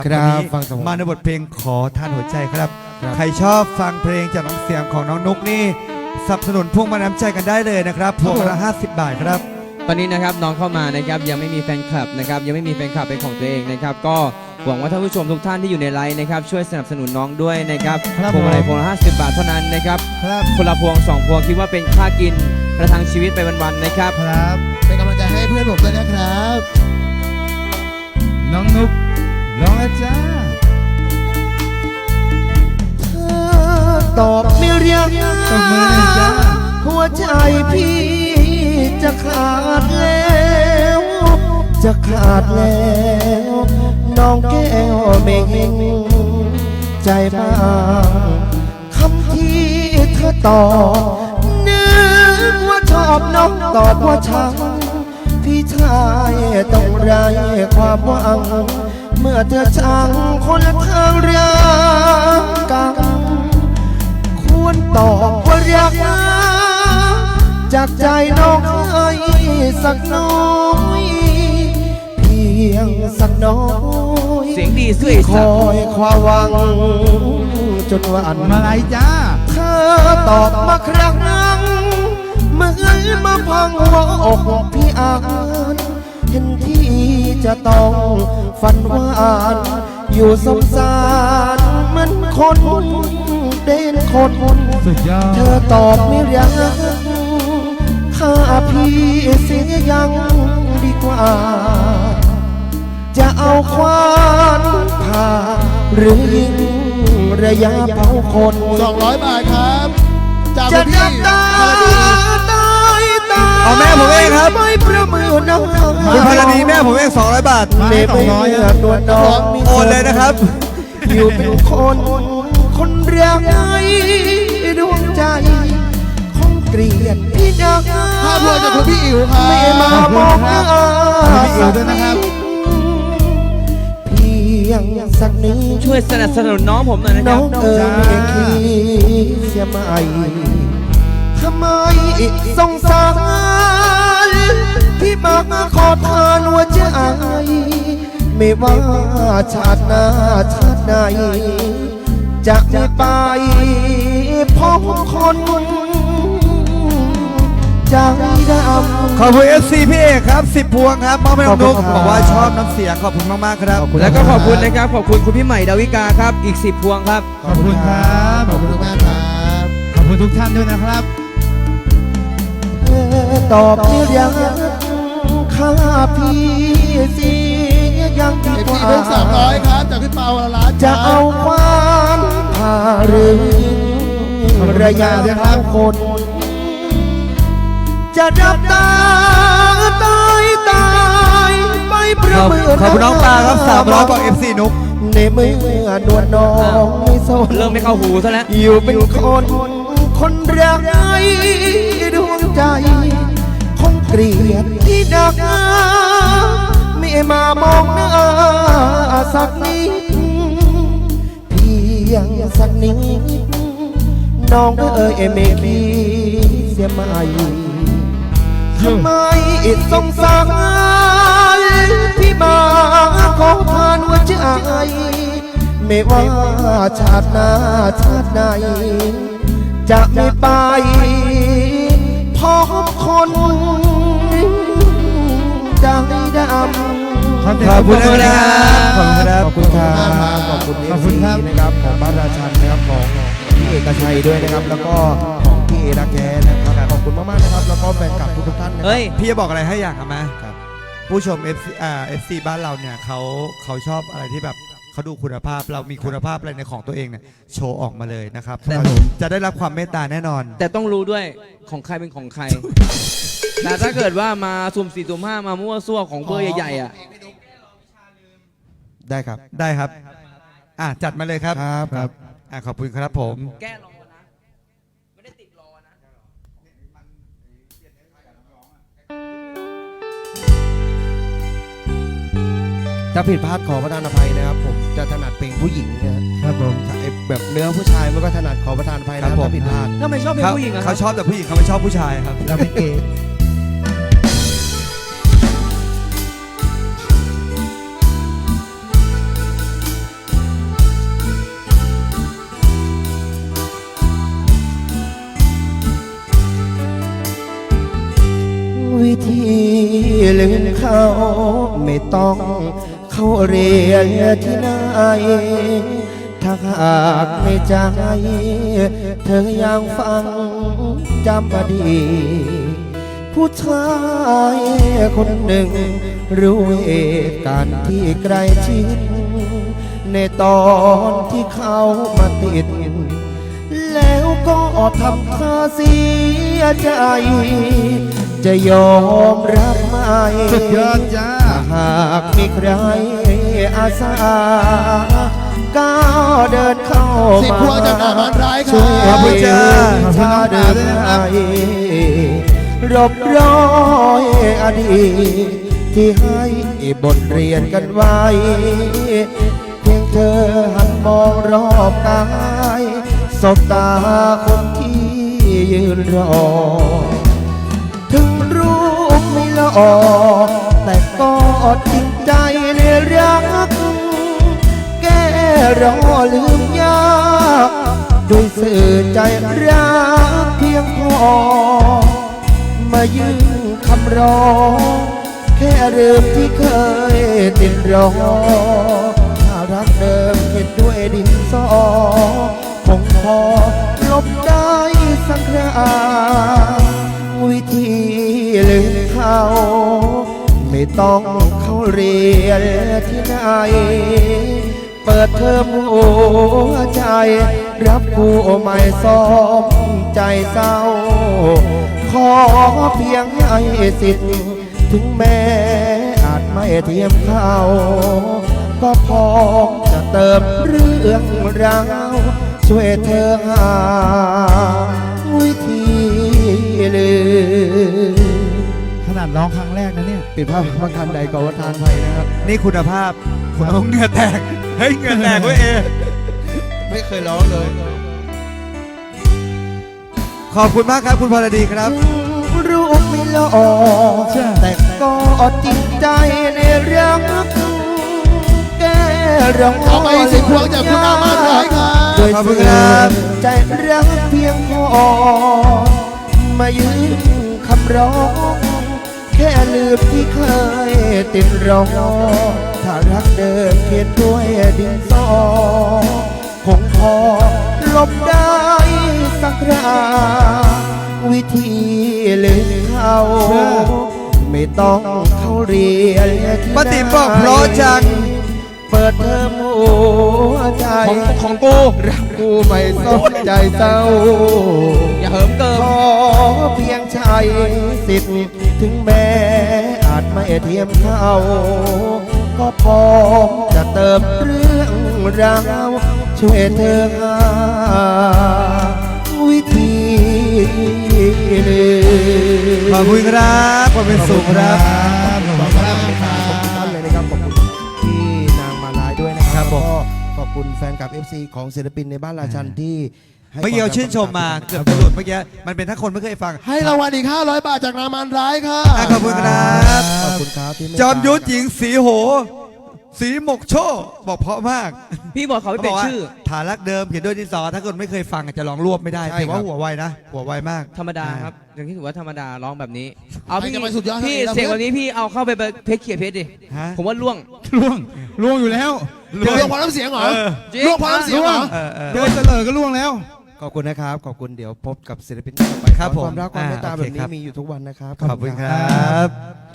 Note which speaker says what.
Speaker 1: ครับฟัง
Speaker 2: มาในบทเพลงขอท่านหัวใจครับ ใครชอบฟังเพลงจากน้ำเสียงของน้องนุ๊กนี่สนับสนุนพวงมาน้ำใจกันได้เลยนะครับพวงละ50 บาทครับ
Speaker 3: ตอนนี้นะครับน้องเข้ามานะครับยังไม่มีแฟนคลับนะครับยังไม่มีแฟนคลับเป็นของตัวเองนะครับก็หวังว่าท่านผู้ชมทุกท่านที่อยู่ในไลฟ์นะครับช่วยสนับสนุนน้องด้วยนะครับพวงมาลัยพวงละ50 บาทเท่านั้นนะครับคนละพวง2 พวงคิดว่าเป็นค่ากินประทังชีวิตไปวันๆนะครับ
Speaker 1: ครับเป็นกำลังใจให้เพื่อนผมด้วยนะครับน้องนุ๊กร้องแล้วจ้า
Speaker 4: ตอบไม่เรียก
Speaker 1: ตบมือหน่อยจ้า
Speaker 4: หัวใจพี่จะขาดแล้วจะขาดแล้วน้องแก้วไม่เห็นใจบ้างคำที่เธอตอบนึกว่าชอบน้องตอบว่าชังพี่ชายต้องไร้ความหวังเมื่อเธอช่างคนละทางรักกันควรตอบว่ารักจากใจน้องให้สักน้อยเพียงสักน้อย
Speaker 3: เสียงดีสวย
Speaker 4: คอยความหวังจนวัน
Speaker 1: มาลัยจ้า
Speaker 4: เธอตอบมาครั้งเมื่อมาพังหัวอกพี่อ่านเห็นที่จะต้องฝันหวานอยู่สงสารเหมือนคนเด่นคน
Speaker 1: สุดยอด
Speaker 4: เธอตอบไม่รักข้าพี่เสียยังดีกว่า จะเอาควานผ่าหรือยิงระยะเผาคน
Speaker 1: 200 บาทครับจาก
Speaker 4: จะ
Speaker 1: พี่
Speaker 4: นับตาตายตา
Speaker 2: เอาแม่ผมเองครับ
Speaker 4: ไม่ประมือน้อง
Speaker 2: คุณพลดีแม่ผมเอง200 บาท
Speaker 1: มาให้200ครับ
Speaker 4: ตัวน้อง
Speaker 2: โอนเลยนะครับ
Speaker 4: อยู่เป็นคนคนเรียกไอ้ดวงใจคงเกลียดพี่นัก
Speaker 1: ภาพรวมจากคุณพี่อิ๋วครับ
Speaker 4: ไม่มามองหน้า
Speaker 1: พี่อิ๋วด้วยนะครับ
Speaker 4: เพียงสักนิด
Speaker 3: ช่วยสนับสนุนน้องผมหน่อยนะค
Speaker 4: น้
Speaker 3: รั
Speaker 4: อบ งไม่คิดเสียไม่ทำไมสงสารพี่มาขอทานหัวใจไม่ว่าชาติหน้าชาติไหนจะไม่ไปพบคนใจดำ
Speaker 2: ขอบคุณ FC พี่เอกครับ10 พวงครับมอบให้น้องนุ๊กบอกว่าชอบน้ำเสียงขอบคุณมากๆครับ
Speaker 3: แล้วก็ขอบคุณนะครับขอบคุณคุณพี่ใหม่ดาวิกาครับอีก10 พวงครับ
Speaker 1: ขอบคุณครับขอบคุณทุกท่านครับขอบคุณทุกท่านด้วยนะครับ
Speaker 4: ตอบไม่รักข้าพี่เสียยังดีกว่า
Speaker 1: เพิ่ม300ครับจากพี่เปาละล้าน
Speaker 4: จะเอาความผ่าหรือระยะทางคน จะดับตาตายไปประเมิน
Speaker 2: ขอบคุณน้องปลาครับ300บอก FC นุ๊ก
Speaker 4: ในเมื่อนวลน้องไม่สน
Speaker 3: เริ่มไม่เข้าหูซะแล้ว
Speaker 4: อยู่เป็นคนคนรักไอ้ดวงใจคงเกลียดที่ดักไม่มามองหน้าสักนิดเพียงสักนิดน้องไม่คิดเสียไหมทำไมสงสารพี่มาขอทานหัวใจไม่ว่าชาติหน้าชาติไหนจะไม่ไปพบคนใจดำ
Speaker 2: ขอบคุณนะครับ
Speaker 1: ขอบคุณครับ
Speaker 4: ขอบคุณ
Speaker 1: ขอบคุณครับ
Speaker 4: นะครับของบ้านราชันนะครับของพี่เอกชัยด้วยนะครับแล้วก็ของพี่เอรักแท้นะครับขอบคุณมากๆนะครับแล้วก็แฟนคลับทุกท่านนะครับ
Speaker 3: เฮ้ย
Speaker 2: พี่จะบอกอะไรให้อย่างครับไหม
Speaker 4: ครับ
Speaker 2: ผู้ชม FC บ้านเราเนี่ยเขาชอบอะไรที่แบบเขาดูคุณภาพเรามีคุณภาพอะไรในของตัวเองเนี่ยโชว์ออกมาเลยนะครับ
Speaker 3: แต่
Speaker 2: จะได้รับความเมตตาแน่นอน
Speaker 3: แต่ต้องรู้ด้วยของใครเป็นของใคร แต่ถ้าเกิดว่ามาสุ่ม4สุ่ม5มามั่วซั่วของเบอร์ใหญ่ๆอ่ะ
Speaker 4: ได้ครับ
Speaker 2: ได้ครับจัดมาเลยครับ
Speaker 1: ครับ
Speaker 2: ขอบคุณครับผม
Speaker 3: แก้รอนะ ไม่ได้ติดรอนะ
Speaker 4: ถ้าผิดพลาดขอประทานอภัยนะครับผมจะถนัดเพลงผู้หญิงนะครับ
Speaker 1: ผม
Speaker 4: ไอ้แบบเนื้อผู้ชายมันก็ถนัดขอประทานอภัย
Speaker 2: ครั
Speaker 4: นะ
Speaker 2: บผม
Speaker 4: ถ้าผิดพลาด
Speaker 3: ถ้าไม่ชอบเพลงผู้หญิงอะครั
Speaker 2: เขา
Speaker 3: บ
Speaker 2: ชอบแต่ผู้หญิงเขาไม่ชอบผู้ชายครับ
Speaker 1: เราเป็นเกย์
Speaker 4: ไม่ต้องเข้าเรียนที่ไหนถ้าหากในใจเธอยังฟังจำอดีตผู้ชายคนหนึ่งรู้เหตุการณ์ที่ใกล้ชิดในตอนที่เขามาติดแล้วก็ทำท่าเสียใจจะยอมรับไหม
Speaker 1: สุดยอดจ้า
Speaker 4: หากมีใครอาสาก้าวเดินเข้า
Speaker 1: สิบ
Speaker 4: มา
Speaker 1: พวงจากหน้าบ้านร้ายครับ
Speaker 4: ช่วย
Speaker 2: ขอบคุณจ้า
Speaker 4: ชาเดินให้รบร้อยอดีตที่ให้บทเรียนกันไว้ เพียงเธอหันมองรอบกายสบตาคนที่ยืนรอ ถึงรูปไม่หล่อแต่ก็จริงใจในรัก แก้รอลืมยากด้วยสื่อใจรักเพียงพอ มายืนคำร้องแค่ลืมที่เคยติดรอ ถ้ารักเดิมเขียนด้วยดินสอคงพอลบได้สักคราวิธีลืมเขาไม่ต้องเข้าเรียนที่ไหนเปิดเทอมหัวใจรับผู้ใหม่ซ้อมใจเศร้าขอเพียงให้สิทธิ์ถึงแม้อาจไม่เทียมเขาก็พร้อมจะเติมเรื่องราวช่วยเธอหาวิธีลืม
Speaker 1: ขนาดร้องครั้งแรกนะเนี่ย
Speaker 4: ปิดภาพพระคำใดก่อนว่าทานไทยนะครับ
Speaker 2: นี่คุณภาพคุณเอาเหงื่อแตก เฮ้ยเหงื่อแตกเว้ยเอ
Speaker 4: ไม่เคยร้องเลย
Speaker 2: ขอบคุณมากครับคุณพรดีครับ
Speaker 4: รูปไม่หล่อแต่ก็จริงใจในรักแก้ร้อง
Speaker 1: เอาไปสิบพวงจากคุณอามาร้อยครับ
Speaker 4: ด้วย
Speaker 2: ขอบคุณ
Speaker 4: เสื่
Speaker 2: ครั
Speaker 4: อบ มใจรักเพียงพอ มายืนคำร้องแค่ลืมที่เคยติดรอ ถ้ารักเดิมเขียนด้วยดินสอคงพอลบได้สักคราวิธีลืมเขาไม่ต้องเข้าเรียนที่
Speaker 2: ป้าติ๋มบอกเพราะจัง
Speaker 4: เปิดเทอมหัวใจ
Speaker 3: ของกู
Speaker 4: รักกูไม่สนใจเศร้า
Speaker 3: อย่าเหิมเกิม
Speaker 4: ขอเพียงใช้สิทธิ์ถึงแม้อาจไม่เทียมเขาก็พร้อมจะเติมเรื่องราวช่วยเธอหาวิธีลืม
Speaker 2: ขอบคุณครับขอบคุณสูงครับ
Speaker 1: ขอบคุณครับ
Speaker 4: ขอบคุณท่านเลยนะครับขอบคุณที่นางมาลายด้วยนะครับ
Speaker 2: ผม
Speaker 4: ก็ขอบคุณแฟนคลับ FC ของศิลปินในบ้านราชันที่ให้
Speaker 2: เมื่อกี้เราชื่นชมมาเกือบจะหลุดเมื่อกี้มันเป็นถ้าคนไม่เคยฟัง
Speaker 1: ให้รางวัลอีก 500 บาทจากนางมารร้ายค่ะ
Speaker 2: ขอบคุณครับ
Speaker 4: ขอบคุณครับที่เมตตา
Speaker 2: จอมยุทธหญิงสีโห สีหมกโชคบอกเพราะมาก
Speaker 3: พี่บอกเขาไม่เป็นชื่อ
Speaker 2: ฐานรักเดิมเขียนด้วยดินสอถ้าคนไม่เคยฟังอาจจะลองรวบไม่ได้แต่ว่าหัวไวนะ หัวไวมาก
Speaker 3: ธรรมดาครับอย่างที่ถือว่าธรรมดาร้องแบบนี้ เอา
Speaker 1: ใคร
Speaker 3: พี่
Speaker 1: จะไปสุดยอด
Speaker 3: พี่
Speaker 1: เท่าไหร่
Speaker 3: เสียงวันนี้พี่เอาเข้าไปเพชรเขียเพชรดิ
Speaker 2: ฮะ
Speaker 3: ผมว่าล่วง
Speaker 1: ล่วงอยู่แล้วเดี๋ยวล่วงพอน้ำเสียงเหรอ
Speaker 3: จริง
Speaker 1: ล่วงพอน้ำเสียงเหรอ
Speaker 2: เออ
Speaker 1: เดี๋ยวเฉลยก็ล่วงแล้ว
Speaker 4: ขอบคุณนะครับ ขอบคุณเดี๋ยวพบกับศิลปินต่อไป
Speaker 2: ครับผม
Speaker 4: ความรักความเมตตา
Speaker 2: โอ
Speaker 4: แบ
Speaker 2: เค
Speaker 4: บนี้
Speaker 2: ครับ
Speaker 4: มีอยู่ทุกวันนะครับ
Speaker 2: ขอบคุณครับ